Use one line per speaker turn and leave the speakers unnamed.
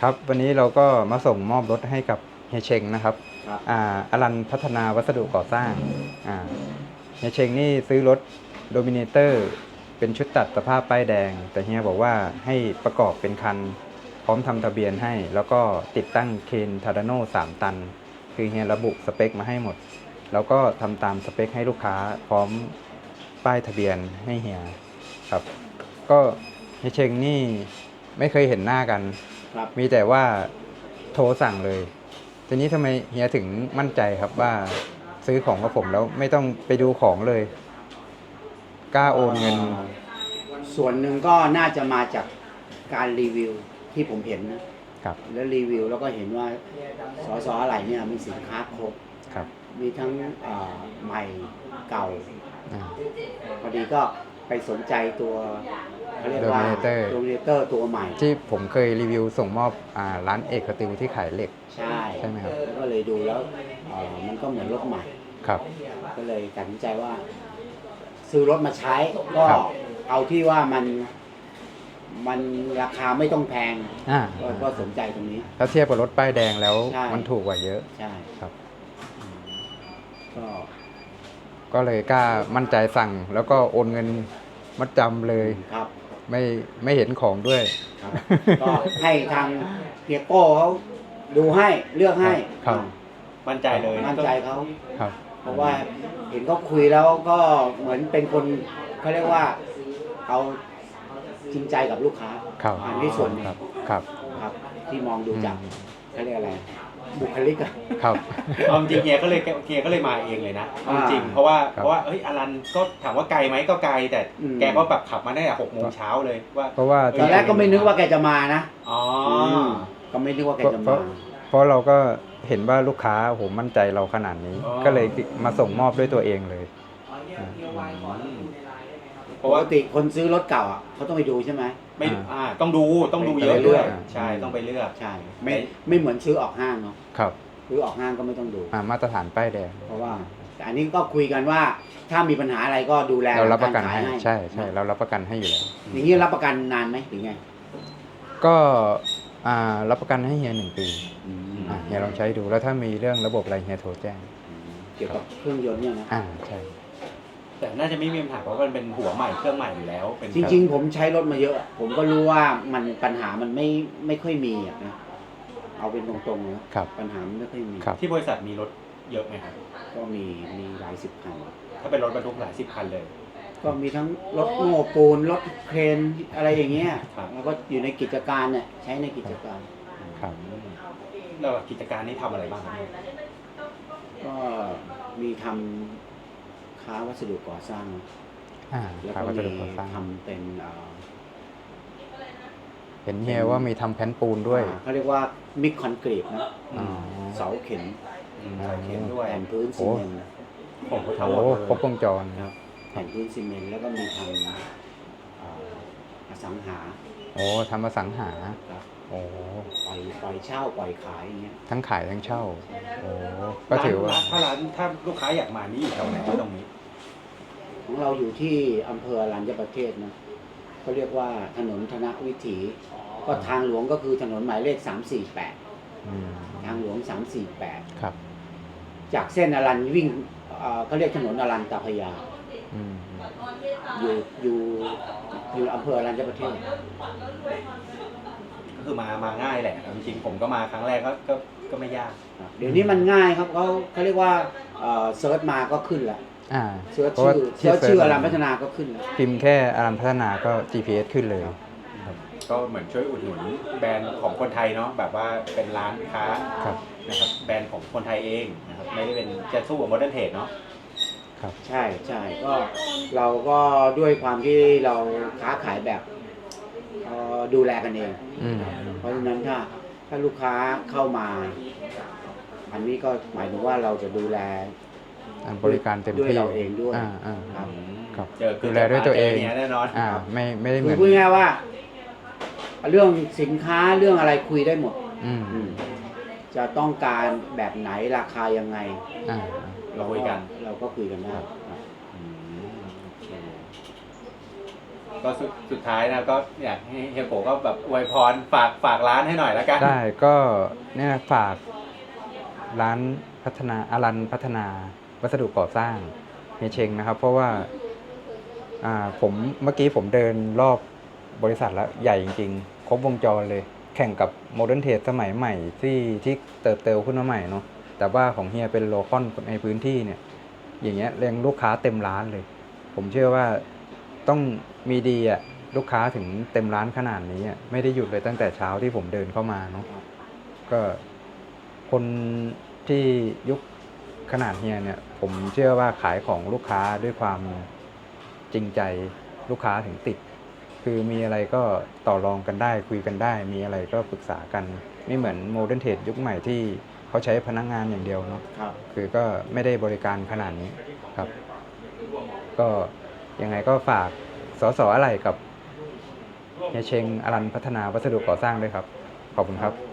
ครับวันนี้เราก็มาส่งมอบรถให้กับเฮียเชงนะครับ
ครับ
อลันพัฒนาวัสดุก่อสร้างอ่าเฮียเชงนี่ซื้อรถโดมิเนเตอร์เป็นชุดตัดสภาพป้ายแดงแต่เฮียบอกว่าให้ประกอบเป็นคันพร้อมทำทะเบียนให้แล้วก็ติดตั้งเคนทาราโน่3 ตันคือเฮียระบุสเปคมาให้หมดแล้วก็ทำตามสเปคให้ลูกค้าพร้อมป้ายทะเบียนให้เฮียครับก็เฮียเชงนี่ไม่เคยเห็นหน้ากัน
ครับ
มีแต่ว่าโทรสั่งเลย ทีนี้ทำไมเฮียถึงมั่นใจครับว่าซื้อของกับผมแล้วไม่ต้องไปดูของเลย กล้าโอนเงิน
ส่วนหนึ่งก็น่าจะมาจากการรีวิวที่ผมเห็นนะครับ แล้วรีวิวแล้วก็เห็นว่าสอะไรเนี่ยมีสินค้าครบ
ครับ
มีทั้งใหม่เก่า
อ่า
พอดีก็ไปสนใจตัวเขาเรียกว่า
Dominator
โดมิเนเตอร์ตัวใหม่
ที่ผมเคยรีวิวส่งมอบร้านเอกสติลที่ขายเหล็ก
ใช่
ใช่ไหมครับ
แล้วก็เลยดูแล้วมันก็เหมือนรถใหม่
ครับ
ก็เลยตัดสินใจว่า ซื้อรถมาใช้ก็
ครับ
เอาที่ว่ามันราคาไม่ต้องแพง
อ่า
ก็สนใจตรงนี้
ถ้าเทียบกับรถป้ายแดงแล้ว
ใช่
มันถูกกว่าเยอะ
ใช่
ครับ
ก็
ก็เลยกล้ามั่นใจสั่งแล้วก็โอนเงินมัดจำเลย
ครับ
ไม่เห็นของด้วย
ครับ ก็ให้ทางเฮียโก้เขาดูให้เลือกให้
ครับ
มั่นใจเลย
มั่นใจเขา
ครับ
เพราะว่าเห็นเขาคุยแล้วก็เหมือนเป็นคนเขาเรียกว่าเขาจริงใจกับลูกค้า
ครับ
อันที่ส่วนหนึ่ง
ครับครับ
ครับ ที่มองดูจาก
อืม
เขาเรียกอะไรบุคลิกอะ
ครับ
เอาจริงเฮียก็เลยมาเองเลยนะเอาจริง
อ่า
เพราะว่า
ครับ
เอ้ยอลันก็ถามว่าไกลไหมก็ไกลแต่
อืม
แกก็แบบขับมาได้แต่6 โมงเช้าเลยว่า
เพราะว่า
ตอนแรกก็ไม่นึกว่าแกจะมานะ
อ๋อ
มก็ไม่นึกว่าแกจะ
เพ
มา
ราะเพราะเราก็เห็นว่าลูกค้าโหมั่นใจเราขนาดนี้ ก็เลยมาส่งมอบด้วยตัวเองเลย
เพ
ป
ราะ
ก
ว่า
ติคนซื้อรถเก่าอ่ะเขาต้องไปดูใช่ไหม
ไม่
อ่า
ต้องดูเยอะ
เลื
ด้ว
อย ก
ใช่ต้องไปเลือก
ใช่ไม่เหมือนซื้อออกห้างเนาะ
ครับ
ซื้อออกห้างก็ไม่ต้องดู
มาตรฐานป้ายแดง
เพราะว่าแต่อันนี้ก็คุยกันว่าถ้ามีปัญหาอะไรก็ดูแล
เรารับประกัน
ขาย
ให้ใช่ใช่เรารับประกันให้อยู่แล้ว
อย่างนี้รับประกันนานไหมหรือไง
ก็รับประกันให้เฮีย1 ปีเฮียลองใช้ดูแล้วถ้ามีเรื่องระบบอะไรเฮียโทรแจ้ง
เกี่ยวกับเครื่องยนต์เนี่ยนะ
ใช่
แต่น่าจะไม่มีปัญหาเพราะมันเป็นหัวใหม่เครื่องใหม่อยู่แล้วเป็น
จริง ๆ ผมใช้รถมาเยอะ ผมก็รู้ว่ามันปัญหามันไม่ค่อยมีอะนะเอาเป็นตรงๆนะครับ ปัญหามันไม่ค่อยมี
ครับ
ที่บริษัทมีรถเยอะไหมครับ
ก็มีหลายสิบคัน
ถ้าเป็นรถบรรทุกหลาย10 คันเลย
ก็มีทั้งรถโม้ปูนรถเครนอะไรอย่างเงี้ย
ครับ
แล้วก็อยู่ในกิจการเนี่ยใช้ในกิจการ
ครับ
แล้วกิจการนี้ทำอะไรบ้างครับ
ก็มีทำค้าวัสดุก่อสร้าง แล้ว
ครับ
ก็
วัส
มี
ดุก่อสร้าง
ทำเป็น
เห็นเฮียว่ามีทำแผ่นปูนด้วย
เขาเรียกว่ามิกคอนกรีตนะ
อ๋อ
เสาเข็ม
ใส่เข็มด้วย
แผ่นพื้นซีเมนต์
ผมก็
โอ้
ทำหมด
โห
เลย
ครบวงจร
ครับแผ่นพื้นซีเมนต์แล้วก็มีทำอสังหา
โอ้ทำมาสังหา
ครับ
โอ้
ปล่อยเช่าปล่อยขายอย่างเงี้ย
ทั้งขายทั้งเช่า โอ้ก็ถือว่า
ถ้าลูกค้าอยากมานี่อยู่แถวไหนตรงนี้
ของเราอยู่ที่อำเภออรัญญประเทศนะเขาเรียกว่าถนนธนวิถี ก็ทางหลวงก็คือถนนหมายเลข348
อืม
ทางหลวง348
ครับ
จากเส้นอรัญวิ่งเขาเรียกถนนอรัญตาพระยา
อืม
อยู่อำเภออรัญญประเทศ
ก็คือมาง่ายแหละจริงๆผมก็มาครั้งแรกก็ไม่ยาก
เดี๋ยวนี้มันง่ายครับเขาเรียกว่าเซิร์ชมาก็ขึ้นแล้ว เซิร์ช
เพราะว่า
ชื่ออรัญพัฒนาก็ขึ้นแล้ว
พิมพ์แค่อารัมพัฒนาก็ GPS ขึ้นเลย
ก็เหมือนช่วยอุดหนุนแบรนด์ของคนไทยเนาะแบบว่าเป็นร้านค้า
ครับ
นะครับแบรนด์ของคนไทยเองนะครับไม่ได้เป็นจะสู้กับโมเดิร์นเทรดเนาะ
ครับ
ใช่ก็เราก็ด้วยความที่เราค้าขายแบบดูแลกันเอง
อืม
เพราะฉะนั้นถ้าลูกค้าเข้ามา อันนี้ก็หมายถึงว่าเราจะดูแล
บริการเต็ม
ด้วย
ที่
เราเองด้วย
ครับ ครับ
เจอ
ดูแลด้วยตัวเอง
จนี่ยแน่นอน
ไม่ได้เห
คื
มื
อ
อน
พูดง่ายๆว่า เรื่องสินค้าเรื่องอะไรคุยได้หมด
อืม
จะต้องการแบบไหนราคายังไง
อ่า
เราคุยกัน
เราก็คุยกันได้ครับ
อืมโอเคก็สุดท้ายนะก็อยากให้เฮียโกก็แบบอวยพรฝากร้านให้หน่อยแล้วกัน
ได้ก็เนี่ยฝากร้านพัฒนาอรันพัฒนาวัสดุก่อสร้างเฮียเชงนะครับ เพราะว่าผมเมื่อกี้ผมเดินรอบบริษัทแล้วใหญ่จริงๆ ครบวงจรเลย แข่งกับโมเดิร์นเทรดสมัยใหม่ที่เติบโตขึ้นมาใหม่เนาะแต่ว่าของเฮียเป็นโลคอลในพื้นที่เนี่ย อย่างเงี้ยเรียงลูกค้าเต็มร้านเลย ผมเชื่อว่าต้องมีดีอ่ะลูกค้าถึงเต็มร้านขนาดนี้อ่ะไม่ได้หยุดเลยตั้งแต่เช้าที่ผมเดินเข้ามาเนาะก็คนที่ยุคขนาดเฮียเนี่ย ผมเชื่อว่าขายของลูกค้าด้วยความจริงใจลูกค้าถึงติด คือมีอะไรก็ต่อรองกันได้คุยกันได้ มีอะไรก็ปรึกษากันไม่เหมือนโมเดิร์นเทรดยุคใหม่ที่เขาใช้พนักงานอย่างเดียวเนาะ
ครับ
คือก็ไม่ได้บริการขนาดนี้ครับ ก็ยังไงก็ฝากสอะไรกับเฮียเชงอรันพัฒนาวัสดุก่อสร้างด้วยครับ ขอบคุณครับ